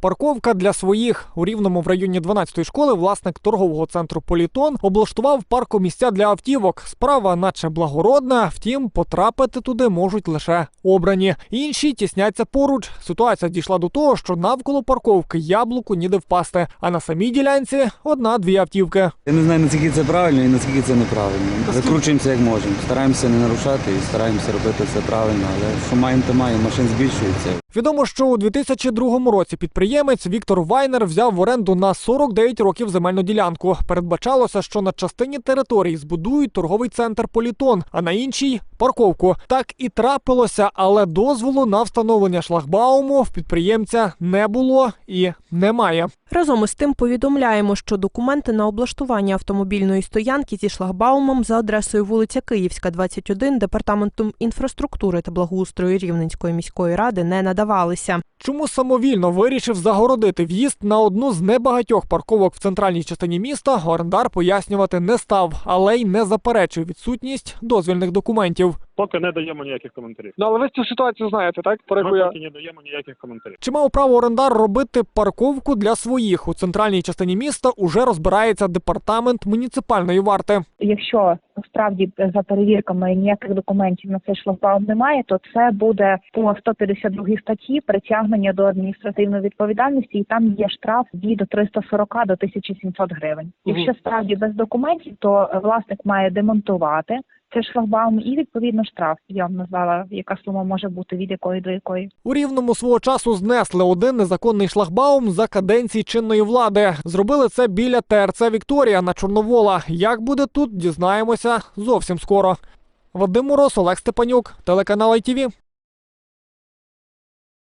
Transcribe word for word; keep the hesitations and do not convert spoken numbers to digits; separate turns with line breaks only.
Парковка для своїх. У Рівному в районі дванадцятої школи власник торгового центру «Політон» облаштував паркомісця для автівок. Справа наче благородна, втім, потрапити туди можуть лише обрані. Інші тісняться поруч. Ситуація дійшла до того, що навколо парковки яблуку ніде впасти, а на самій ділянці одна-дві автівки.
Я не знаю, наскільки це правильно і наскільки це неправильно. Закручуємося як можемо. Стараємося не нарушати і стараємося робити все правильно, але що маємо, то маємо, машин збільшується.
Відомо, що у дві тисячі другому році підприємець Віктор Вайнер взяв в оренду на сорок дев'ять років земельну ділянку. Передбачалося, що на частині території збудують торговий центр «Політон», а на іншій – парковку. Так і трапилося, але дозволу на встановлення шлагбауму в підприємця не було і немає.
Разом із тим повідомляємо, що документи на облаштування автомобільної стоянки зі шлагбаумом за адресою вулиця Київська, двадцять один, Департаментом інфраструктури та благоустрою Рівненської міської ради не надавалися.
Чому самовільно вирішив загородити в'їзд на одну з небагатьох парковок в центральній частині міста, орендар пояснювати не став, але й не заперечив відсутність дозвільних документів.
Поки не даємо ніяких коментарів.
Ну, але ви цю ситуацію знаєте, так?
Ми поки не даємо ніяких коментарів.
Чи мав право орендар робити парковку для своїх? У центральній частині міста уже розбирається департамент муніципальної варти.
Якщо справді за перевірками ніяких документів на цей шлагбаум немає, то це буде по сто п'ятдесят другій статті притягнення до адміністративної відповідальності, і там є штраф від триста сорок до тисячі сімсот гривень. Якщо справді без документів, то власник має демонтувати цей шлагбаум і, відповідно, штраф. Я вам назвала, яка сума може бути, від якої до якої.
У Рівному свого часу знесли один незаконний шлагбаум за каденції чинної влади. Зробили це біля Те Ер Це «Вікторія» на Чорновола. Як буде тут, дізнаємося зовсім скоро. Вадим Мороз, Олег Степанюк, телеканал Ай Ті Ві.